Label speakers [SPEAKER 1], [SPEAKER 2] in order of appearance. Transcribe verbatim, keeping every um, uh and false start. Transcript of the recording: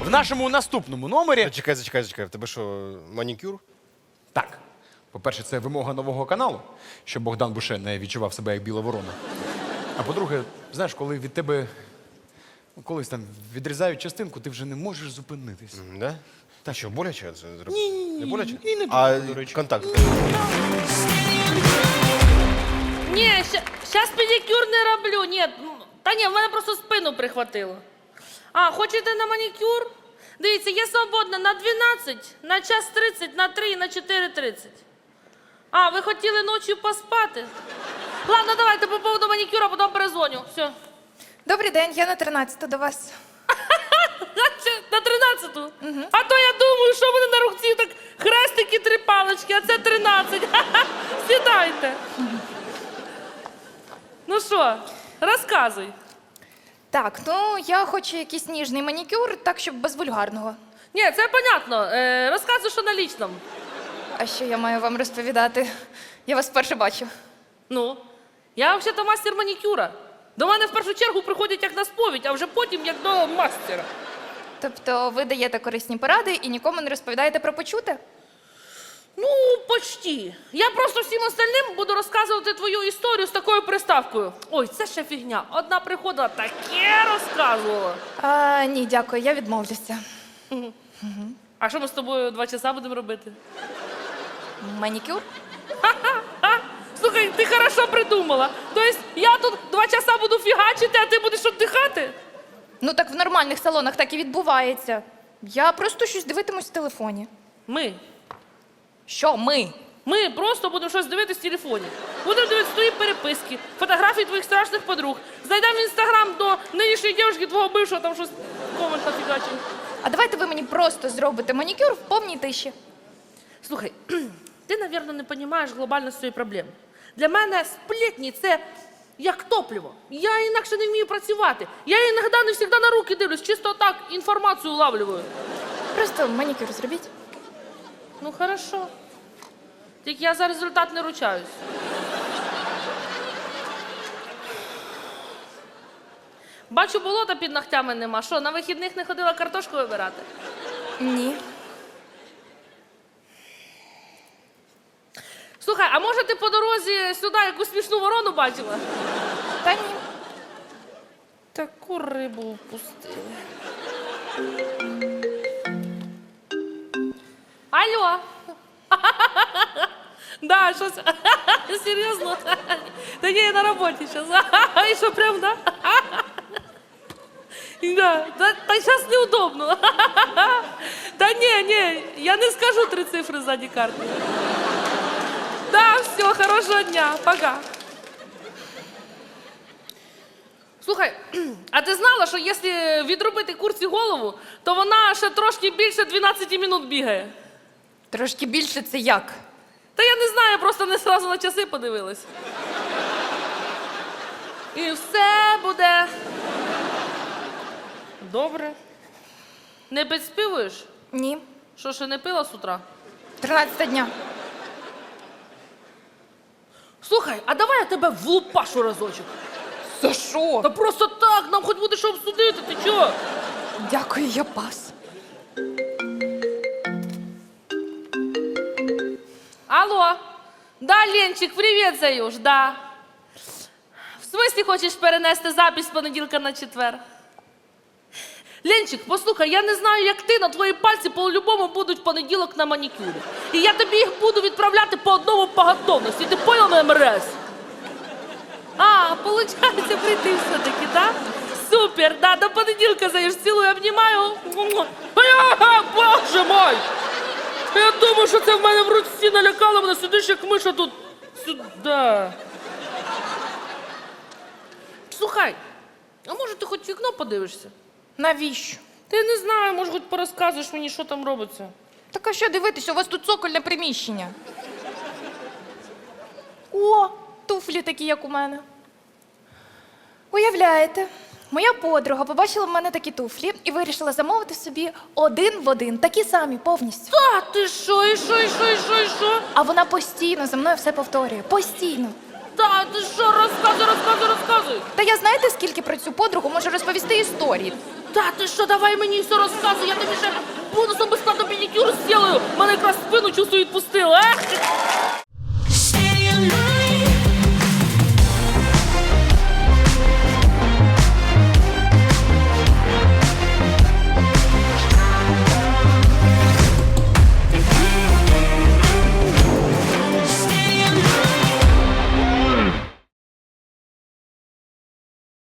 [SPEAKER 1] В нашому наступному номері...
[SPEAKER 2] Зачекай, зачекай, зачекай. В тебе що, манікюр?
[SPEAKER 1] Так. По-перше, це вимога нового каналу, щоб Богдан Буше не відчував себе як біла ворона. А по-друге, знаєш, коли від тебе ну, колись там відрізають частинку, ти вже не можеш зупинитись.
[SPEAKER 2] М, Да? Та що, боляче це зробити?
[SPEAKER 1] Ні-ні-ні.
[SPEAKER 2] Не боляче?
[SPEAKER 1] І не
[SPEAKER 2] А
[SPEAKER 1] боляче, до речі.
[SPEAKER 2] контакт?
[SPEAKER 3] Ні, зараз педикюр не роблю. Ні, м, та ні, в мене просто спину прихватило. А, хочете на манікюр? Дивіться, є свободна на дванадцять, на час тридцять, на три і на чотири тридцять. А, ви хотіли ночі поспати? Ладно, давайте по поводу манікюра, потім перезвоню. Все.
[SPEAKER 4] Добрий день, я на тринадцяту до вас.
[SPEAKER 3] На тринадцяту? Угу. А то я думаю, що в мене на руці так хрестики, три палички, а це тринадцять. Сідайте. Ну що, розказуй.
[SPEAKER 4] Так, ну я хочу якийсь ніжний манікюр, так, щоб без вульгарного.
[SPEAKER 3] Ні, це понятно. Е, розказуй, що на лічному.
[SPEAKER 4] А що я маю вам розповідати? Я вас вперше бачу.
[SPEAKER 3] Ну, я взагалі-то мастер манікюра. До мене в першу чергу приходять як на сповідь, а вже потім як до мастера.
[SPEAKER 4] Тобто ви даєте корисні поради і нікому не розповідаєте про почуте?
[SPEAKER 3] Ну, почти. Я просто всім остальним буду розказувати твою історію з такою приставкою. Ой, це ще фігня. Одна приходила, таке розказувала.
[SPEAKER 4] А, ні, дякую, я відмовлюся.
[SPEAKER 3] А що ми з тобою два часа будемо робити?
[SPEAKER 4] Манікюр?
[SPEAKER 3] А? Слухай, ти хорошо придумала. Тобто я тут два часа буду фігачити, а ти будеш віддихати?
[SPEAKER 4] Ну так в нормальних салонах так і відбувається. Я просто щось дивитимусь в телефоні.
[SPEAKER 3] Ми.
[SPEAKER 4] Що ми?
[SPEAKER 3] Ми просто будемо щось дивитися в телефоні. Будемо дивитися твої переписки, фотографії твоїх страшних подруг. Знайдемо в інстаграм до нинішньої дівчинки твого бившого, там щось в коментах фігачить.
[SPEAKER 4] А давайте ви мені просто зробите манікюр в повній тиші.
[SPEAKER 3] Слухай, ти, мабуть, не розумієш глобальність цієї проблеми. Для мене сплетні – це як топливо. Я інакше не вмію працювати. Я іноді не завжди на руки дивлюсь, чисто так інформацію улавлюю.
[SPEAKER 4] Просто манікюр зробіть.
[SPEAKER 3] Ну, хорошо. Тільки я за результат не ручаюсь. Бачу, болота під ногтями нема. Що, на вихідних не ходила картошку вибирати?
[SPEAKER 4] Ні.
[SPEAKER 3] Слухай, а може ти по дорозі сюди якусь смішну ворону бачила?
[SPEAKER 4] Та ні.
[SPEAKER 3] Таку рибу впустили. Алло. Да, щось. Серйозно? Та ні, я на роботі зараз. І що, прям, да? Да. Та, та зараз неудобно. Та ні, ні, я не скажу три цифри ззаді карти. Да, все, хорошого дня, пока. Слухай, а ти знала, що якщо відробити курці голову, то вона ще трошки більше дванадцять минут бігає?
[SPEAKER 4] Трошки більше це як?
[SPEAKER 3] Та я не знаю, просто не одразу на часи подивилась. І все буде добре. Не підспівуєш?
[SPEAKER 4] Ні.
[SPEAKER 3] Що, ще не пила з утра?
[SPEAKER 4] Тринадцята дня.
[SPEAKER 3] Слухай, а давай я тебе влупашу разочок.
[SPEAKER 4] За що?
[SPEAKER 3] Та просто так, нам хоч буде що обсудити, ти чого?
[SPEAKER 4] Дякую, я пас.
[SPEAKER 3] Алло. Да, Ленчик, привіт, Заюш, да. В смислі хочеш перенести запись з понеділка на четвер? Ленчик, послухай, я не знаю, як ти, но твої пальці по-любому будуть в понеділок на манікюрі. І я тобі їх буду відправляти по одному по готовності. Ти понял мене, МРС? А, получається, прийти все-таки, так? Супер, да, до понеділка, Заюш, цілую, обнімаю. А, боже мой! Я думаю, що це в мене в руці налякало мене, сидиш як миша тут. Сюди. Слухай, а може ти хоч в вікно подивишся?
[SPEAKER 4] Навіщо?
[SPEAKER 3] Та я не знаю, може хоч порозказуєш мені, що там робиться.
[SPEAKER 4] Так а що дивитися, у вас тут цокольне приміщення. О, туфлі такі, як у мене. Уявляєте, моя подруга побачила в мене такі туфлі і вирішила замовити собі один в один, такі самі, повністю.
[SPEAKER 3] Та ти що, і що, і що, і що, і що?
[SPEAKER 4] А вона постійно за мною все повторює, постійно.
[SPEAKER 3] Та ти що, розказуй, розказуй, розказуй.
[SPEAKER 4] Та я знаєте, скільки про цю подругу можу розповісти історії?
[SPEAKER 3] Та ти що, давай мені все розказуй, я тобі ще бонусом безплатно педикюр зроблю. Мене якраз спину чувствую відпустила, а?